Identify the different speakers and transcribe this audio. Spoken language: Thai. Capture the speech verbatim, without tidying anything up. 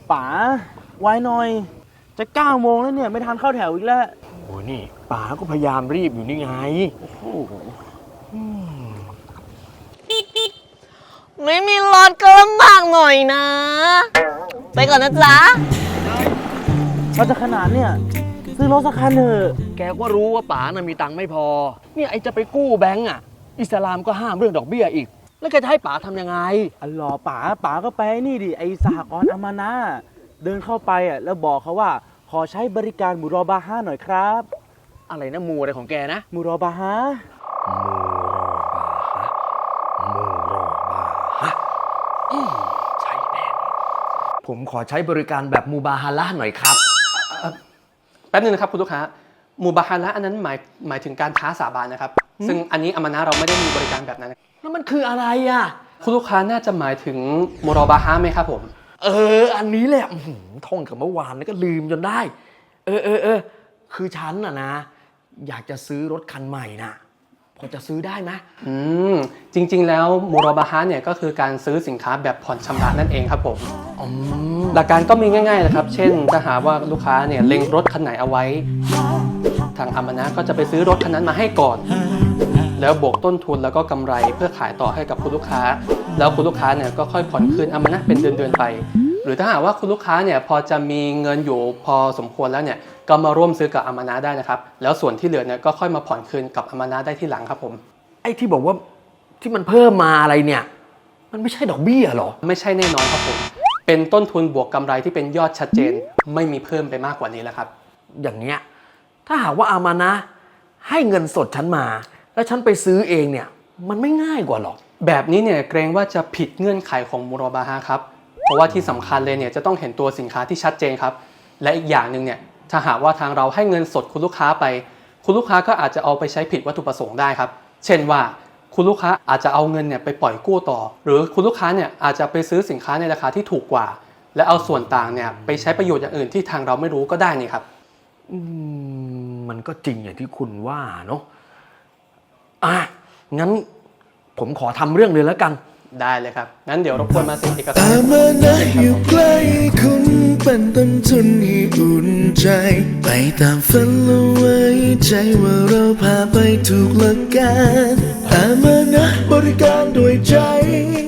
Speaker 1: ป๋าไว้หน่อยจะเก้าโมงแล้วเนี่ยไม่ทันเข้าแถวอีกแล้ว
Speaker 2: โอ้นี่ป๋าก็พยายามรีบอยู่นี่ไง
Speaker 1: โอ้โห
Speaker 3: ไม่มีรถก็ลำบากหน่อยนะไปก่อนนะจ๊ะ
Speaker 1: เราจะขนาดเนี่ยซื้อรถสักคันเถอะ
Speaker 2: แกก็รู้ว่าป๋าน่ะมีตังค์ไม่พอเนี่ยไอจะไปกู้แบงก์อ่ะอิสลามก็ห้ามเรื่องดอกเบี้ยอีกแล้วแกจะให้ป๋าทำยังไง
Speaker 1: อัลลอฮ์ป๋าป๋าก็ไปนี่ดิไอสหกรณ์อามานะเดินเข้าไปอ่ะแล้วบอกเขาว่าขอใช้บริการมูรอบาฮะหน่อยครับ
Speaker 2: อะไรนะมูอะไรของแกนะ
Speaker 1: มูรอบาฮะ
Speaker 2: มูรอบาฮะมูรอบาฮะใช่แน่ผมขอใช้บริการแบบมูบาฮาละหน่อยครับ
Speaker 4: แป๊บนึงนะครับคุณลูกค้ามูบาฮาละอันนั้นหมายหมายถึงการท้าสาบานนะครับซึ่งอันนี้อามานะเราไม่ได้มีบริการแบบนั้น
Speaker 2: แล้วมันคืออะไรอ่ะ
Speaker 4: คุณลูกค้าน่าจะหมายถึงมูรอบาฮะไหมครับผม
Speaker 2: เอออันนี้แหละท่องกับเมื่อวานแล้วก็ลืมจนได้เออเออเออคือฉันน่ะนะอยากจะซื้อรถคันใหม่นะพอจะซื้อได้ไหม
Speaker 4: อืมจริงๆแล้วมูรอบาฮะเนี่ยก็คือการซื้อสินค้าแบบผ่อนชำระนั่นเองครับผมหลักการก็มีง่ายๆนะครับเช่นถ้าหาว่าลูกค้าเนี่ยเล็งรถคันไหนเอาไว้ทางอามานะก็จะไปซื้อรถคันนั้นมาให้ก่อนแล้วบวกต้นทุนแล้วก็กำไรเพื่อขายต่อให้กับคุณลูกค้าแล้วคุณลูกค้าเนี่ยก็ค่อยผ่อนคืนอามานะเป็นเดือนๆไปหรือถ้าหากว่าคุณลูกค้าเนี่ยพอจะมีเงินอยู่พอสมควรแล้วเนี่ยก็มาร่วมซื้อกับอามานะได้นะครับแล้วส่วนที่เหลือเนี่ยก็ค่อยมาผ่อนคืนกับอามานะได้ที่หลังครับผม
Speaker 2: ไอ้ที่บอกว่าที่มันเพิ่มมาอะไรเนี่ยมันไม่ใช่ดอกเบี้ยหรอ
Speaker 4: ไม่ใช่แน่นอนครับผมเป็นต้นทุนบวกกำไรที่เป็นยอดชัดเจนไม่มีเพิ่มไปมากกว่านี้แล้วครับ
Speaker 2: อย่างเนี้ยถ้าหากว่าอามานะให้เงินสดฉันมาแล้วฉันไปซื้อเองเนี่ยมันไม่ง่ายกว่าหรอ
Speaker 4: แบบนี้เนี่ยเกรงว่าจะผิดเงื่อนไขของมูรอบาฮะครับเพราะว่าที่สำคัญเลยเนี่ยจะต้องเห็นตัวสินค้าที่ชัดเจนครับและอีกอย่างหนึ่งเนี่ยถ้าหากว่าทางเราให้เงินสดคุณลูกค้าไปคุณลูกค้าก็อาจจะเอาไปใช้ผิดวัตถุประสงค์ได้ครับเช่นว่าคุณลูกค้าอาจจะเอาเงินเนี่ยไปปล่อยกู้ต่อหรือคุณลูกค้าเนี่ยอาจจะไปซื้อสินค้าในราคาที่ถูกกว่าและเอาส่วนต่างเนี่ยไปใช้ประโยชน์อย่างอื่นที่ทางเราไม่รู้ก็ได้นี่ครับ
Speaker 2: อืมมันก็จริงอย่างที่คุณว่าเนาะอ่ะงั้นผมขอทำเรื่องเลยแล้วกัน
Speaker 4: ได้เลยครับงั้นเดี๋ยวรบกวนมาเซ็นเอกสาร
Speaker 5: อามานะอยู่ใกล้คุณเป็นต้นทุนให้อุ่นใจไปตามฝันและไว้ใจว่าเราพาไปถูกหลักการอามานะบริการด้วยใจ